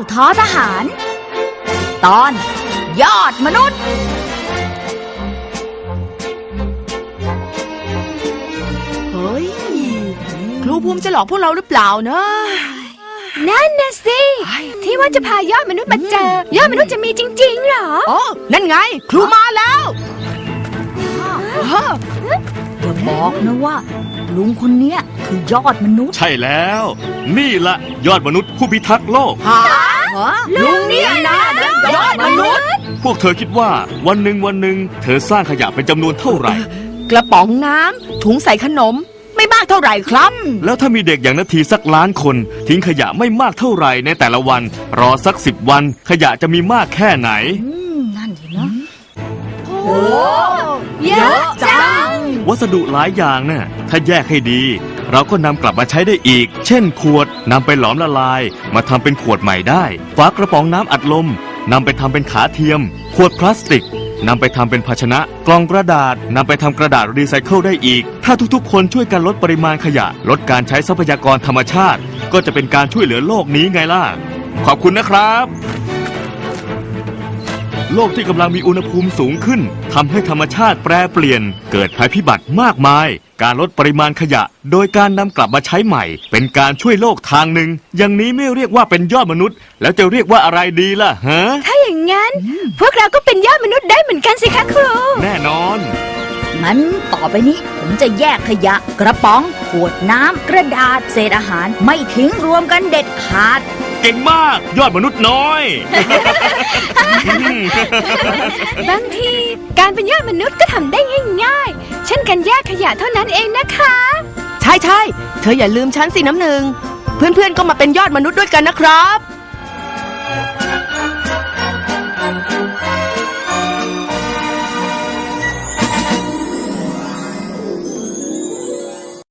ท้อทหารตอนยอดมนุษย์เฮ้ยครูภูมิจะหลอกพวกเราหรือเปล่านะนั่นนะสิที่ว่าจะพายอดมนุษย์มาเจอยอดมนุษย์จะมีจริงๆเหรออ๋อนั่นไงครูมาแล้วอย่าบอกนะว่าลุงคนเนี้ยคือยอดมนุษย์ใช่แล้วนี่ละยอดมนุษย์ผู้พิทักษ์โลกลุงเนี่ยนะยอดมนุษย์พวกเธอคิดว่าวันหนึ่งเธอสร้างขยะเป็นจำนวนเท่าไหร่กระป๋องน้ำถุงใส่ขนมไม่มากเท่าไหร่ครับแล้วถ้ามีเด็กอย่างนาทีสักล้านคนทิ้งขยะไม่มากเท่าไหร่ในแต่ละวันรอสัก10 วันขยะจะมีมากแค่ไหนนั่นสินะโอ้เยอะจังวัสดุหลายอย่างน่ะถ้าแยกให้ดีเราก็นำกลับมาใช้ได้อีกเช่นขวดนำไปหลอมละลายมาทำเป็นขวดใหม่ได้ฝากระป๋องน้ำอัดลมนำไปทำเป็นขาเทียมขวดพลาสติกนำไปทำเป็นภาชนะกล่องกระดาษนำไปทำกระดาษรีไซเคิลได้อีกถ้าทุกๆคนช่วยกันลดปริมาณขยะลดการใช้ทรัพยากรธรรมชาติก็จะเป็นการช่วยเหลือโลกนี้ไงล่ะขอบคุณนะครับโลกที่กำลังมีอุณหภูมิสูงขึ้นทำให้ธรรมชาติแปรเปลี่ยนเกิดภัยพิบัติมากมายการลดปริมาณขยะโดยการนำกลับมาใช้ใหม่เป็นการช่วยโลกทางหนึ่งอย่างนี้ไม่เรียกว่าเป็นยอดมนุษย์แล้วจะเรียกว่าอะไรดีล่ะฮะถ้าอย่างนั้นพวกเราก็เป็นยอดมนุษย์ได้เหมือนกันสิคะครูแน่นอนงั้นต่อไปนี้ผมจะแยกขยะกระป๋องขวดน้ำกระดาษเศษอาหารไม่ทิ้งรวมกันเด็ดขาดเก่งมากยอดมนุษย์น้อยบางทีการเป็นยอดมนุษย์ก็ทำได้ง่ายๆเช่นการแยกขยะเท่านั้นเองนะคะใช่เธออย่าลืมฉันสิน้ำหนึ่งเพื่อนๆก็มาเป็นยอดมนุษย์ด้วยกันนะครับ